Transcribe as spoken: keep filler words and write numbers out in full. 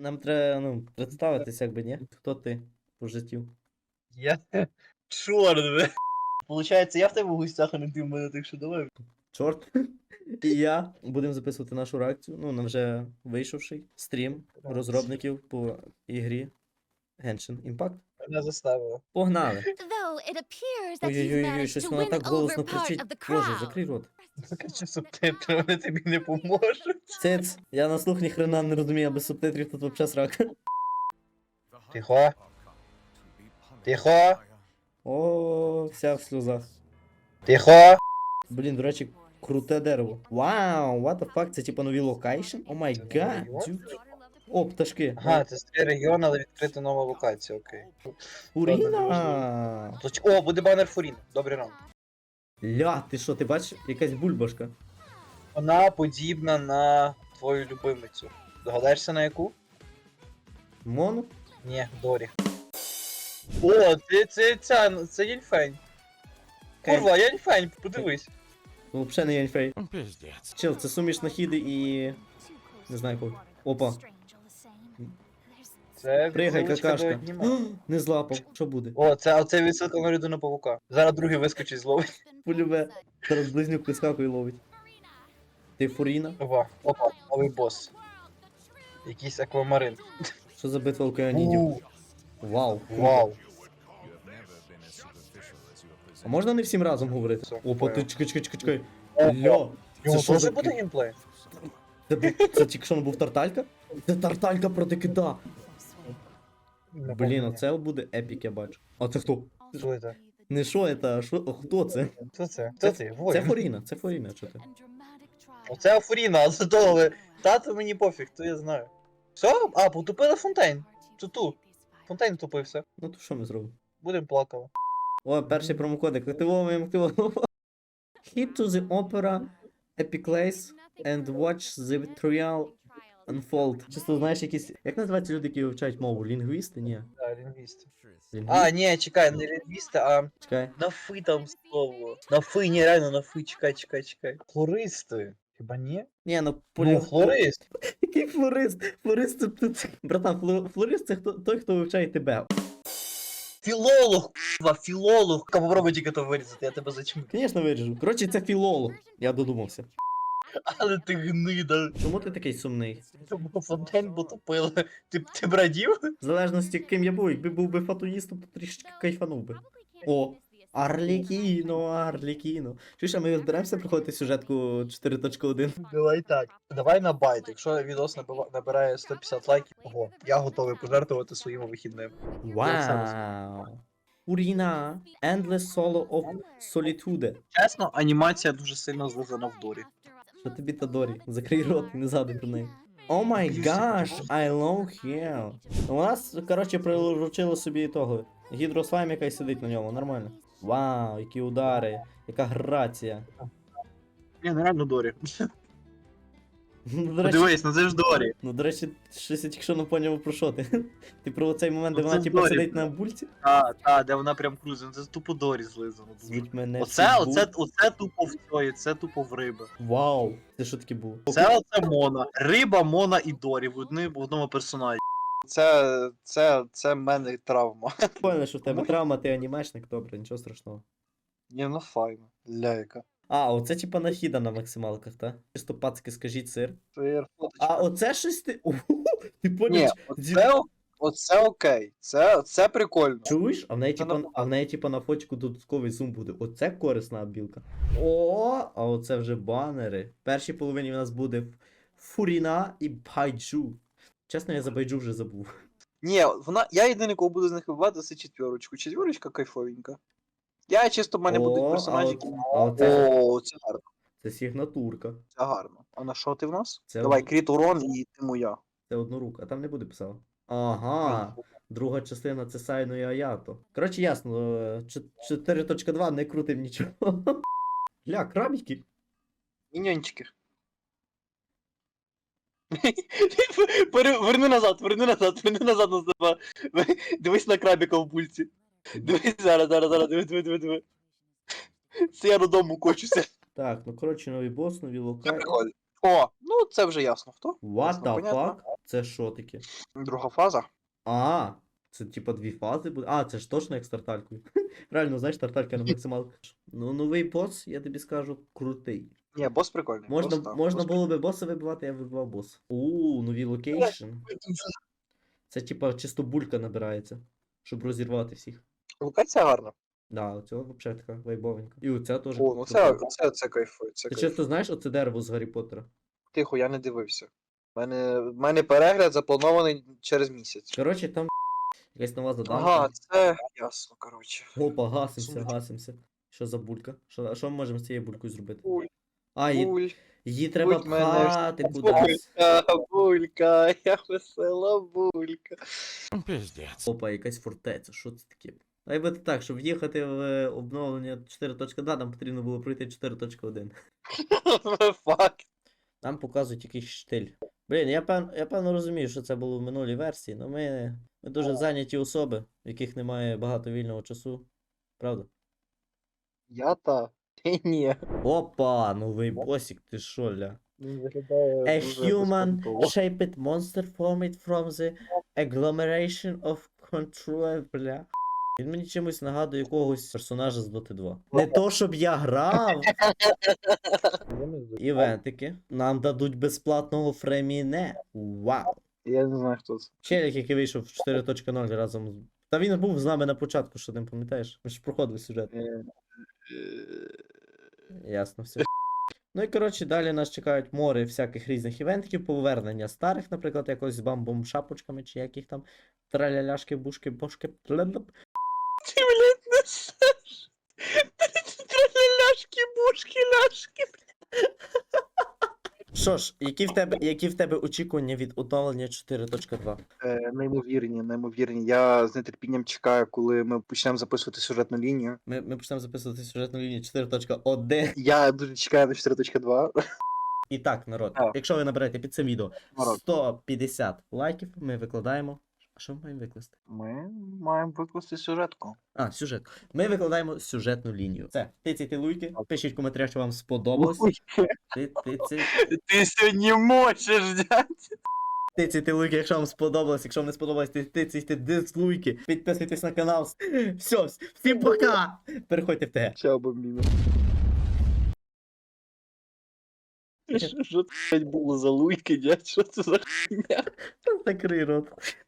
Нам треба, ну, представитися, якби, ні? Хто ти по життю? Я чорт, бля. Получається, я в тебе в гостях, а не ти в мене, так що давай. Чорт. І я будемо записувати нашу реакцію. Ну, на вже вийшовший стрім розробників по ігрі Genshin Impact. Мене заставило. Погнали! Though it appears that you've Ой-ой-ой, managed щось to вона win так голосно over part кричить. of the Боже, crowd. закрий рот. Закачу субтитри, вони тобі не поможуть. Циц, я на слух ні хрена не розумію, а без субтитрів тут вообще срака. Тихо. Тихо. О, вся в сльозах. Тихо. Блін, до речі, круте дерево. Вау, what the fuck, це типа нові локейшн? О май гад, дюд. О, пташки. Ага, це старий регіон, але відкрита нова локація, окей. Фуріна! Точ- О, буде банер Фурін. Добрий ранок. Ля, ти що, ти бачиш? Якась бульбашка. Вона подібна на твою любимицю. Догадаєшся на яку? Мону? Ні, Дорі. О, це, це, це, це Єньфень. Курва, Єньфень, подивись. Ну, взагалі не Яньфей. Пиздец. Чел, це суміш нахіди і... Не знаю кого. Опа. Це Пригай, відсилочка до какашка. аніме. Не злапав. Що буде? О, це, оце відсилка на людину павука. Зараз другий вискочить зловить. Полюбе. Зараз близнюк прискакує і ловить. Ти Фуріна? Опа, опа, новий бос. Якийсь аквамарин. Що за битва океанідів? У, Вау. круто. Вау. А можна не всім разом говорити? Все, Опа, ти понял. чекай, чекай, чекай, чекай. Опа. Ля. Його що теж за- буде геймплей? Це, бу- це тільки що не був тарталька? Це тарталька проти кита. Блін, оце буде епік, я бачу. А це хто? Що це? Не що це, а що? О, хто це? Хто це? Хто це? Це Воїн. Фуріна, це Фуріна, що ти? Оце Афуріна, а це довго. Тато мені пофіг, то я знаю. Все? А, потупили Фонтейн. Ту-ту. Фонтейн тупився. Ну то що ми зробимо? Будем плакали. О, перший промокодик. Активовуємо, активовуємо. Hit to the opera, epic place, and watch the trial unfold. Чисто знаєш якісь... Як називаються люди, які вивчають мову? Лінгвісти? Ні. Да, лінгвісти. Лінгвісти? А, ні, чекай, не лінгвісти, а Чекай. на фи там слово. На фи, ні, реально на фи, чекай, чекай, чекай. Флористи. Хіба ні? Ні, ну Ну, полі... флорист. Який флорист? Флорист це... це- Братан, фло- флорист це хто... той, хто вивчає тебе. Філолог, курва, філолог. Попробуй тільки то вирізати, я тебе зачму. Звісно, виріжу. Коротше, це філолог. Я додумався. Але ти гнида. Чому ти такий сумний? Бо Фонтейн потопили. Ти, ти брадів? В залежності, ким я був, якби був би фатуїстом, то трішечки кайфанув би. О, Арлікіно, Арлікіно. Чуєш, а ми зберемося проходити сюжетку чотири точка один? Давай так. Давай на байт. Якщо відос набива- набирає сто п'ятдесят лайків, ого, я готовий пожертвувати своїми вихідними. Вау! Уріна! Endless Solo of Solitude. Чесно, анімація дуже сильно злизана в Дорі. Що тобі та Дорі? Закрий рот і не згадуй про неї. О май гаш, I love hell. У нас, коротше, приручили собі того. Гідрослайм, яка сидить на ньому, нормально. Вау, які удари, яка грація. Ні, ну реально Дорі. Ну, до речі, Подивись, ну це ж Дорі. ну, до речі, щось я тільки що не поняв про що ти. Ти про цей момент, де Ну, вона це типу Дорі. сидить на бульці? А, та, де вона прям крузить, ну це тупо Дорі злизано. дуже. Звуть мене Оце, Фібу. оце, оце тупо в цьої, це тупо в риби. Вау, це що таке було? Це оце Мона. Риба, Мона і Дорі в одні- в одному персонажі. Це, це, це в мене травма. Понял, що в тебе травма, ти анімешник, добре, нічого страшного. Ні, ну файно. Ляйка. А, оце типа нахіда на максималках, та? Чисто пацки, скажіть сир. Це А оце щось ти. Уху, ти Ні, поняв? оце, оце окей. Це, це прикольно. Чуєш? А в неї Це типа, нормально. а в неї типа на фотику додатковий зум буде. Оце корисна білка. О, а оце вже банери. В першій половині в нас буде Фуріна і Байджу. Чесно, я за Байджу вже забув. Ні, вона, я єдиний, кого буду з них вибивати, це четверочку. Четверочка кайфовенька. Я чисто в мене О, будуть а персонажі, от- які. а оце- О, це гарно. Це сигнатурка. Це гарно. А на що ти в нас? Це Давай, од- кріт урон і ти моя. Це однорука, а там не буде писав. Ага. Друга частина це Сайно і Аято. Коротше, ясно, е, чо- чотири точка два не крутим нічого. Ля, крабіки. Міньончики. Пере- Верни назад, верни назад, верни назад на себе. Дивись на крабіка в бульці. Дивись зараз, зараз, зараз, диви, диви, диви, диви. Це я додому кочуся. Так, ну коротше, новий бос, нові Це локації. прикольно. О, ну це вже ясно хто. What Ясно, the понятно. fuck? Це що таке? Друга фаза. А, це типа дві фази буде. А, це ж точно як з тарталькою. Реально, знаєш, тарталька на максималку. Ну, новий бос, я тобі скажу, крутий. Ні, бос прикольний. Можна, бос, так, можна бос було би боса вибивати, я вибивав бос. У, нові локейшн. прикольний. Це типа чисто булька набирається, щоб розірвати всіх. Локація гарна. Да, оцього взагалі така вайбовенька. І оця теж. О, ну це, крута. це, це кайфує. Це Ти кайфує. чисто знаєш оце дерево з Гаррі Поттера? Тихо, я не дивився. У мене, в мене перегляд запланований через місяць. Коротше, там якась нова заданка. Ага, це ясно, коротше. Опа, гасимося, Сумничка. гасимося. Що за булька? Що, а що ми можемо з цією булькою зробити? Буль, А, її, буль, її треба будь мене пхати кудись. булька, булька, я весела булька. Пиздец. Опа, якась фортеця, що це таке? А й буде так, щоб в'їхати в е, обновлення чотири точка два, нам потрібно було пройти чотири точка один. Факт. Нам показують якийсь штиль. Блін, я певно, я певно розумію, що це було в минулій версії, але ми, ми дуже зайняті особи, в яких немає багато вільного часу. Правда? Я та. Ти ні. Опа, новий босик, ти шо, ля? Він виглядає A дуже human безпонтово. shaped monster formed from the agglomeration of control, бля. Він мені чимось нагадує якогось персонажа з Доти два. Не то, щоб я грав. Івентики. Нам дадуть безплатного фреміне. Вау. Я не знаю, хто це. Челік, який вийшов в чотири точка нуль разом з. Та він був з нами на початку, що ти пам'ятаєш? Ми ж проходили сюжет. Е, Ясно, все. Ну і коротше, далі нас чекають море всяких різних івентиків, повернення старих, наприклад, якось з бамбом шапочками, чи яких там траляляшки, бушки, бошки. Плеп. Ти, блядь, несеш. Ляшки, бушки, ляшки. Що ж, які в тебе, які в тебе очікування від оновлення чотири точка два? Е, неймовірні, неймовірні. Я з нетерпінням чекаю, коли ми почнемо записувати сюжетну лінію. Ми, ми почнемо записувати сюжетну лінію чотири точка один. Я дуже чекаю на чотири точка два. І так, народ, Так. якщо ви наберете під цим відео Народ. сто п'ятдесят лайків, ми викладаємо. А що ми маємо викласти? Ми маємо викласти сюжетку. А, сюжет. Ми викладаємо сюжетну лінію. Це, тицяйте луйки, пишіть в коментарях, що вам сподобалось. Ти, ти, ти, Ти сьогодні мочиш, дядь. тицяйте луйки, якщо вам сподобалось. Якщо вам не сподобалось, ти тицяйте дизлуйки. Підписуйтесь на канал. Все, всім пока! Переходьте в те. Чао, бомбіно. Що це блядь, було за луйки, дядь? Що це за хуйня? Закрий рот.